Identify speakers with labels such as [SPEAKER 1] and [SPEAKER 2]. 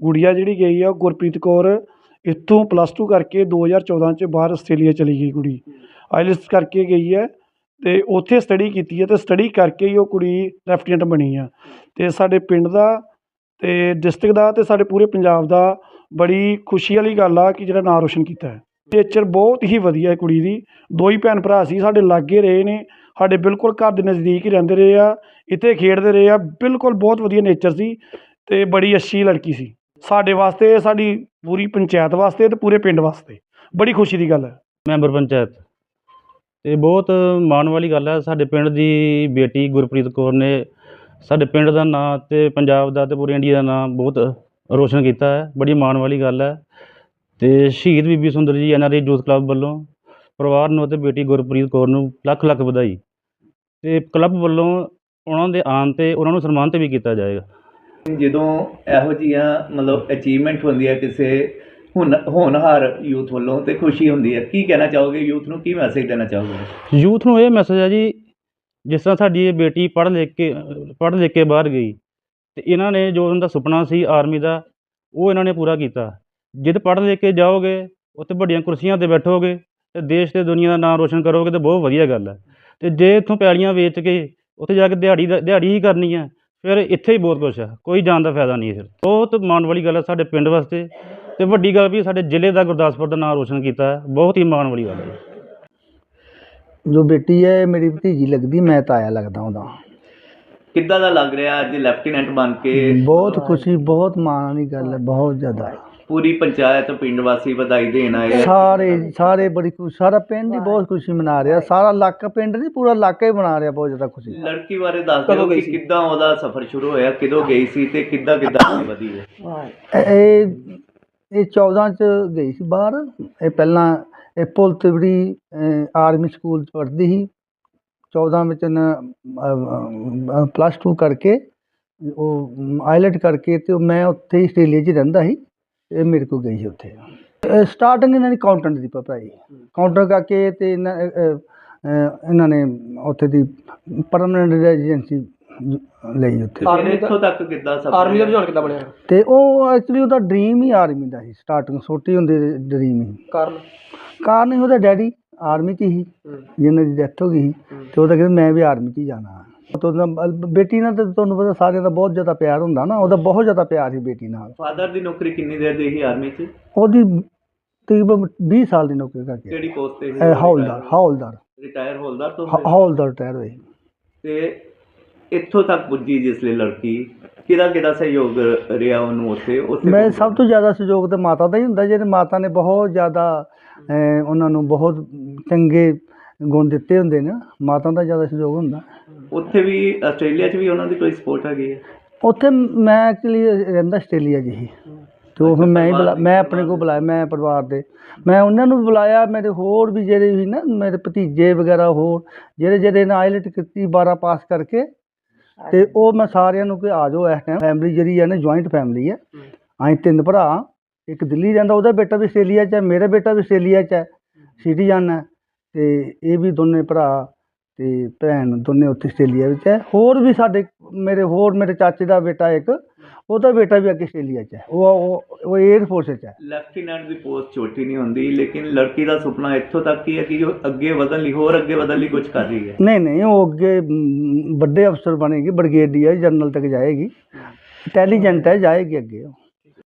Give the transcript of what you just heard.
[SPEAKER 1] ਗੁੜੀਆ ਜਿਹੜੀ ਗਈ ਆ ਗੁਰਪ੍ਰੀਤ ਕੌਰ ਇੱਥੋਂ +2 ਕਰਕੇ 2014 'ਚ ਬਾਹਰ ਆਸਟ੍ਰੇਲੀਆ ਚਲੀ ਗਈ ਕੁੜੀ। ਆਈਲੈਟਸ ਕਰਕੇ ਗਈ ਹੈ ਅਤੇ ਉੱਥੇ ਸਟੱਡੀ ਕੀਤੀ ਹੈ ਅਤੇ ਸਟੱਡੀ ਕਰਕੇ ਹੀ ਉਹ ਕੁੜੀ ਲੈਫਟੀਨੈਂਟ ਬਣੀ ਆ। ਅਤੇ ਸਾਡੇ ਪਿੰਡ ਦਾ ਅਤੇ ਡਿਸਟ੍ਰਿਕਟ ਦਾ ਅਤੇ ਸਾਡੇ ਪੂਰੇ ਪੰਜਾਬ ਦਾ ਬੜੀ ਖੁਸ਼ੀ ਵਾਲੀ ਗੱਲ ਆ ਕਿ ਜਿਹੜਾ ਨਾਂ ਰੋਸ਼ਨ ਕੀਤਾ ਹੈ। ਨੇਚਰ ਬਹੁਤ ਹੀ ਵਧੀਆ ਹੈ ਕੁੜੀ ਦੀ। 2 ਹੀ ਭੈਣ ਭਰਾ ਸੀ, ਸਾਡੇ ਲਾਗੇ ਰਹੇ ਨੇ, ਸਾਡੇ ਬਿਲਕੁਲ ਘਰ ਦੇ ਨਜ਼ਦੀਕ ਹੀ ਰਹਿੰਦੇ ਰਹੇ ਆ, ਇੱਥੇ ਖੇਡਦੇ ਰਹੇ ਆ। ਬਿਲਕੁਲ ਬਹੁਤ ਵਧੀਆ ਨੇਚਰ ਸੀ ਅਤੇ ਬੜੀ ਅੱਛੀ ਲੜਕੀ ਸੀ। ਸਾਡੇ ਵਾਸਤੇ, ਸਾਡੀ ਪੂਰੀ ਪੰਚਾਇਤ ਵਾਸਤੇ ਅਤੇ ਪੂਰੇ ਪਿੰਡ ਵਾਸਤੇ ਬੜੀ ਖੁਸ਼ੀ ਦੀ ਗੱਲ ਹੈ।
[SPEAKER 2] ਮੈਂਬਰ ਪੰਚਾਇਤ ਅਤੇ ਬਹੁਤ ਮਾਣ ਵਾਲੀ ਗੱਲ ਹੈ। ਸਾਡੇ ਪਿੰਡ ਦੀ ਬੇਟੀ ਗੁਰਪ੍ਰੀਤ ਕੌਰ ਨੇ ਸਾਡੇ ਪਿੰਡ ਦਾ ਨਾਂ ਅਤੇ ਪੰਜਾਬ ਦਾ ਅਤੇ ਪੂਰੇ ਇੰਡੀਆ ਦਾ ਨਾਂ ਬਹੁਤ ਰੋਸ਼ਨ ਕੀਤਾ ਹੈ। ਬੜੀ ਮਾਣ ਵਾਲੀ ਗੱਲ ਹੈ। ਅਤੇ ਸ਼ਹੀਦ ਬੀਬੀ ਸੁੰਦਰ ਜੀ NRI ਯੂਥ ਕਲੱਬ ਵੱਲੋਂ ਪਰਿਵਾਰ ਨੂੰ ਅਤੇ ਬੇਟੀ ਗੁਰਪ੍ਰੀਤ ਕੌਰ ਨੂੰ ਲੱਖ ਲੱਖ ਵਧਾਈ। ਅਤੇ ਕਲੱਬ ਵੱਲੋਂ ਉਹਨਾਂ ਦੇ ਆਉਣ 'ਤੇ ਉਹਨਾਂ ਨੂੰ ਸਨਮਾਨਿਤ ਵੀ ਕੀਤਾ ਜਾਏਗਾ।
[SPEAKER 3] ਜਦੋਂ ਇਹੋ ਜਿਹੀਆਂ ਮਤਲਬ ਅਚੀਵਮੈਂਟ ਹੁੰਦੀ ਹੈ ਕਿਸੇ ਹੋਣਹਾਰ ਯੂਥ ਵੱਲੋਂ ਅਤੇ ਖੁਸ਼ੀ ਹੁੰਦੀ ਹੈ। ਕੀ ਕਹਿਣਾ ਚਾਹੋਗੇ ਯੂਥ ਨੂੰ, ਕੀ ਮੈਸੇਜ ਦੇਣਾ ਚਾਹੋਗੇ?
[SPEAKER 2] ਯੂਥ ਨੂੰ ਇਹ ਮੈਸੇਜ ਹੈ ਜੀ, ਜਿਸ ਤਰ੍ਹਾਂ ਸਾਡੀ ਇਹ ਬੇਟੀ ਪੜ੍ਹ ਲਿਖ ਕੇ ਬਾਹਰ ਗਈ ਅਤੇ ਇਹਨਾਂ ਨੇ ਜੋ ਉਹਨਾਂ ਦਾ ਸੁਪਨਾ ਸੀ ਆਰਮੀ ਦਾ, ਉਹ ਇਹਨਾਂ ਨੇ ਪੂਰਾ ਕੀਤਾ। ਜਦ ਪੜ੍ਹ ਲਿਖ ਕੇ ਜਾਓਗੇ, ਉੱਥੇ ਵੱਡੀਆਂ ਕੁਰਸੀਆਂ 'ਤੇ ਬੈਠੋਗੇ ਅਤੇ ਦੇਸ਼ ਅਤੇ ਦੁਨੀਆ ਦਾ ਨਾਮ ਰੋਸ਼ਨ ਕਰੋਗੇ ਤਾਂ ਬਹੁਤ ਵਧੀਆ ਗੱਲ ਹੈ। ਅਤੇ ਜੇ ਇੱਥੋਂ ਪੈਲੀਆਂ ਵੇਚ ਕੇ ਉੱਥੇ ਜਾ ਕੇ ਦਿਹਾੜੀ ਹੀ ਕਰਨੀ ਹੈ, ਫਿਰ ਇੱਥੇ ਹੀ ਬਹੁਤ ਕੁਛ ਹੈ, ਕੋਈ ਜਾਣ ਦਾ ਫਾਇਦਾ ਨਹੀਂ ਹੈ। ਫਿਰ ਬਹੁਤ ਮਾਣ ਵਾਲੀ ਗੱਲ ਹੈ ਸਾਡੇ ਪਿੰਡ ਵਾਸਤੇ, ਅਤੇ ਵੱਡੀ ਗੱਲ ਵੀ ਸਾਡੇ ਜ਼ਿਲ੍ਹੇ ਦਾ ਗੁਰਦਾਸਪੁਰ ਦਾ ਨਾਮ ਰੋਸ਼ਨ ਕੀਤਾ ਹੈ। ਬਹੁਤ ਹੀ ਮਾਣ ਵਾਲੀ ਗੱਲ ਹੈ।
[SPEAKER 4] ਜੋ ਬੇਟੀ ਹੈ ਮੇਰੀ ਭਤੀਜੀ ਲੱਗਦੀ, ਮੈਂ ਤਾਇਆ ਲੱਗਦਾ ਉਹਦਾ।
[SPEAKER 3] ਕਿੱਦਾਂ ਦਾ ਲੱਗ ਰਿਹਾ ਅੱਜ ਲੈਫਟੀਨੈਂਟ ਬਣ ਕੇ?
[SPEAKER 4] ਬਹੁਤ ਖੁਸ਼ੀ, ਬਹੁਤ ਮਾਣ ਵਾਲੀ ਗੱਲ ਹੈ, ਬਹੁਤ ਜ਼ਿਆਦਾ।
[SPEAKER 3] ਪੂਰੀ ਪੰਚਾਇਤ ਪਿੰਡ ਵਾਸੀ ਵਧਾਈ ਦੇਣ ਆਏ?
[SPEAKER 4] ਸਾਰੇ ਬੜੀ ਖੁਸ਼ੀ, ਸਾਰਾ ਪਿੰਡ ਹੀ ਬਹੁਤ ਖੁਸ਼ੀ ਮਨਾ ਰਿਹਾ। ਸਾਰਾ ਇਲਾਕਾ, ਪਿੰਡ ਨਹੀਂ ਪੂਰਾ ਇਲਾਕਾ ਹੀ ਮਨਾ ਰਿਹਾ ਬਹੁਤ ਜ਼ਿਆਦਾ ਖੁਸ਼ੀ।
[SPEAKER 3] ਲੜਕੀ ਬਾਰੇ ਦੱਸ ਦਿਓ ਕਿ ਕਿੱਦਾਂ ਉਹਦਾ ਸਫ਼ਰ ਸ਼ੁਰੂ ਹੋਇਆ, ਕਿਦੋਂ ਗਈ ਸੀ ਅਤੇ ਕਿੱਦਾਂ ਅੱਗੇ ਵਧੀ ਹੈ?
[SPEAKER 4] ਇਹ 14 'ਚ ਗਈ ਸੀ ਬਾਹਰ। ਇਹ ਪਹਿਲਾਂ ਇਹ ਪੁਲ ਤਿਵੜੀ ਆਰਮੀ ਸਕੂਲ 'ਚ ਪੜ੍ਹਦੀ ਸੀ। 14 ਵਿੱਚ +2 ਕਰਕੇ ਉਹ ਆਈਲੈਟ ਕਰਕੇ ਅਤੇ ਮੈਂ ਉੱਥੇ ਹੀ ਆਸਟ੍ਰੇਲੀਆ 'ਚ ਰਹਿੰਦਾ ਸੀ। ਇਹ ਮੇਰੇ ਕੋਲ ਗਈ ਸੀ ਉੱਥੇ। ਸਟਾਰਟਿੰਗ ਇਹਨਾਂ ਦੀ ਅਕਾਊਂਟੈਂਟ ਦੀ ਪੜ੍ਹਾਈ, ਕਾਊਂਟਰ ਕਰਕੇ ਅਤੇ ਇਹਨਾਂ ਨੇ ਉੱਥੇ ਦੀ ਪਰਮਾਨੈਂਟ ਰੈਜ਼ੀਡੈਂਸੀ ਲਈ ਉੱਥੇ।
[SPEAKER 3] ਇੱਥੋਂ ਤੱਕ ਕਿੱਦਾਂ ਆਰਮੀ ਦਾ ਰੁਝਾਨ ਕਿੱਦਾਂ ਬਣਿਆ?
[SPEAKER 4] ਅਤੇ ਉਹ ਐਕਚੁਅਲੀ ਉਹਦਾ ਡਰੀਮ ਹੀ ਆਰਮੀ ਦਾ ਸੀ। ਸਟਾਰਟਿੰਗ ਛੋਟੀ ਹੁੰਦੀ ਡਰੀਮ ਹੀ। ਕਾਰਨ ਹੀ ਉਹਦਾ ਡੈਡੀ ਆਰਮੀ 'ਚ ਹੀ, ਜਿਹਨਾਂ ਦੀ ਡੈਥ ਹੋ ਗਈ ਸੀ, ਅਤੇ ਉਹਦਾ ਕਹਿੰਦਾ ਮੈਂ ਵੀ ਆਰਮੀ 'ਚ ਹੀ ਜਾਣਾ। ਬੇਟੀ ਨਾਲ ਤਾਂ ਤੁਹਾਨੂੰ ਪਤਾ ਸਾਰਿਆਂ ਦਾ ਬਹੁਤ ਜ਼ਿਆਦਾ ਪਿਆਰ ਹੁੰਦਾ ਨਾ, ਉਹਦਾ ਬਹੁਤ ਜ਼ਿਆਦਾ ਪਿਆਰ ਸੀ ਬੇਟੀ ਨਾਲ।
[SPEAKER 3] ਫਾਦਰ ਦੀ ਨੌਕਰੀ ਕਿੰਨੀ ਦੇਰ ਦੀ ਸੀ ਆਰਮੀ 'ਚ?
[SPEAKER 4] ਉਹਦੀ ਤਕਰੀਬਨ 20 ਸਾਲ ਦੀ ਨੌਕਰੀ ਕਰਕੇ।
[SPEAKER 3] ਕਿਹੜੀ ਪੋਸਟ 'ਤੇ ਸੀ?
[SPEAKER 4] ਹੌਲਦਾਰ
[SPEAKER 3] ਰਿਟਾਇਰ ਹੌਲਦਾਰ ਤੋਂ?
[SPEAKER 4] ਹੌਲਦਾਰ ਰਿਟਾਇਰ ਹੋਏ।
[SPEAKER 3] ਅਤੇ ਇੱਥੋਂ ਤੱਕ ਪੁੱਜੀ ਜਿਸ ਲਈ ਲੜਕੀ, ਕਿਹਦਾ ਸਹਿਯੋਗ ਰਿਹਾ ਉਹਨੂੰ ਉੱਥੇ?
[SPEAKER 4] ਮੈਂ ਸਭ ਤੋਂ ਜ਼ਿਆਦਾ ਸਹਿਯੋਗ ਤਾਂ ਮਾਤਾ ਦਾ ਹੀ ਹੁੰਦਾ। ਜਿਹੜੇ ਮਾਤਾ ਨੇ ਬਹੁਤ ਜ਼ਿਆਦਾ ਉਹਨਾਂ ਨੂੰ ਬਹੁਤ ਚੰਗੇ ਗੁਣ ਦਿੱਤੇ ਹੁੰਦੇ ਨੇ, ਮਾਤਾ ਦਾ ਜ਼ਿਆਦਾ ਸਹਿਯੋਗ ਹੁੰਦਾ।
[SPEAKER 3] ਉੱਥੇ ਵੀ ਆਸਟ੍ਰੇਲੀਆ 'ਚ ਵੀ ਉਹਨਾਂ ਦੀ ਕੋਈ ਸਪੋਰਟ ਹੈਗੀ ਹੈ?
[SPEAKER 4] ਉੱਥੇ ਮੈਂ ਐਕਚੁਅਲੀ ਰਹਿੰਦਾ ਆਸਟ੍ਰੇਲੀਆ 'ਚ ਹੀ, ਅਤੇ ਉਹ ਫਿਰ ਮੈਂ ਆਪਣੇ ਕੋਲ ਬੁਲਾਇਆ, ਮੈਂ ਪਰਿਵਾਰ ਦੇ ਮੈਂ ਉਹਨਾਂ ਨੂੰ ਵੀ ਬੁਲਾਇਆ। ਮੇਰੇ ਹੋਰ ਵੀ ਜਿਹੜੇ ਵੀ ਨਾ ਮੇਰੇ ਭਤੀਜੇ ਵਗੈਰਾ ਹੋਰ ਜਿਹੜੇ ਨੇ ਆਈਲੈਟ ਕੀਤੀ 12 ਪਾਸ ਕਰਕੇ, ਅਤੇ ਉਹ ਮੈਂ ਸਾਰਿਆਂ ਨੂੰ ਕਿ ਆ ਜਾਓ। ਇਸ ਟਾਈਮ ਫੈਮਿਲੀ ਜਿਹੜੀ ਹੈ ਨਾ ਜੁਆਇੰਟ ਫੈਮਿਲੀ ਹੈ। ਅਸੀਂ 3 ਭਰਾ, ਇੱਕ ਦਿੱਲੀ ਰਹਿੰਦਾ, ਉਹਦਾ ਬੇਟਾ ਵੀ ਆਸਟ੍ਰੇਲੀਆ 'ਚ ਹੈ, ਮੇਰਾ ਬੇਟਾ ਵੀ ਆਸਟ੍ਰੇਲੀਆ 'ਚ ਹੈ, ਸਿਟੀਜ਼ਨ ਹੈ। ਅਤੇ ਇਹ ਵੀ ਦੋਨੇ ਭਰਾ ਅਤੇ ਭੈਣ ਦੋਨੇ ਉੱਥੇ ਆਸਟ੍ਰੇਲੀਆ ਵਿੱਚ ਹੈ। ਹੋਰ ਵੀ ਸਾਡੇ ਮੇਰੇ ਚਾਚੇ ਦਾ ਬੇਟਾ ਇੱਕ, ਉਹਦਾ ਬੇਟਾ ਵੀ ਅੱਗੇ ਆਸਟ੍ਰੇਲੀਆ 'ਚ ਹੈ। ਉਹ ਏਅਰ ਫੋਰਸ 'ਚ ਹੈ।
[SPEAKER 3] ਲੈਫਟੀਨੈਂਟ ਦੀ ਪੋਸਟ ਛੋਟੀ ਨਹੀਂ ਹੁੰਦੀ, ਲੇਕਿਨ ਲੜਕੀ ਦਾ ਸੁਪਨਾ ਇੱਥੋਂ ਤੱਕ ਹੀ ਹੈ ਕਿ ਉਹ ਅੱਗੇ ਵਧਣ ਲਈ ਕੁਝ ਕਰ ਰਹੀ ਹੈ।
[SPEAKER 4] ਨਹੀਂ, ਉਹ ਅੱਗੇ ਵੱਡੇ ਅਫਸਰ ਬਣੇਗੀ, ਬ੍ਰਿਗੇਡੀਅਰ ਜਨਰਲ ਤੱਕ ਜਾਏਗੀ। ਇੰਟੈਲੀਜੈਂਟ ਹੈ, ਜਾਏਗੀ ਅੱਗੇ ਉਹ।